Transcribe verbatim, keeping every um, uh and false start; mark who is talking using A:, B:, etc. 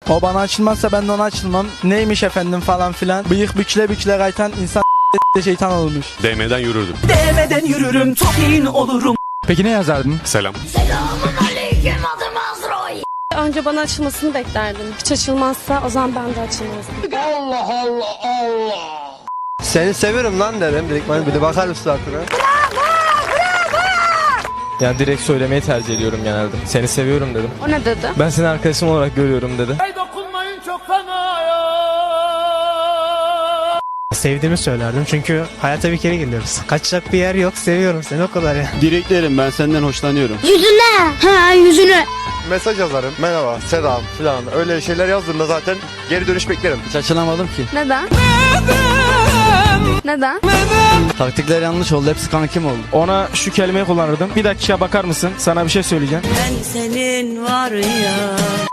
A: O bana açılmazsa ben de ona açılmam. Neymiş efendim falan filan. Bıyık bükle bükle kaytan insan şeytan olmuş.
B: Değmeden yürürdüm.
C: Değmeden yürürüm, tokin olurum.
D: Peki ne yazardın?
B: Selam.
E: Önce bana açılmasını beklerdim. Hiç açılmazsa o zaman ben de açılmazdım.
F: Allah Allah Allah.
G: Seni seviyorum lan derim. Direkt bana bir de bakar mısın suratına?
H: Yani direkt söylemeyi tercih ediyorum genelde. Seni seviyorum dedim.
E: O ne dedi?
H: Ben seni arkadaşım olarak görüyorum dedi.
F: Dokunmayın çok fena ya.
I: Sevdiğimi söylerdim çünkü hayata bir kere geliyoruz. Kaçacak bir yer yok, seviyorum seni o kadar ya.
G: Direkt derim ben senden hoşlanıyorum.
J: Yüzüne. Ha yüzüne.
G: Mesaj yazarım. Merhaba, selam falan. Öyle şeyler yazdığımda zaten geri dönüş beklerim.
A: Hiç açılamadım ki.
E: Neden? Neden?
A: Taktikler yanlış oldu. Hepsi kankim oldu.
D: Ona şu kelimeyi kullanırdım. Bir dakika bakar mısın? Sana bir şey söyleyeceğim.
C: Ben senin var ya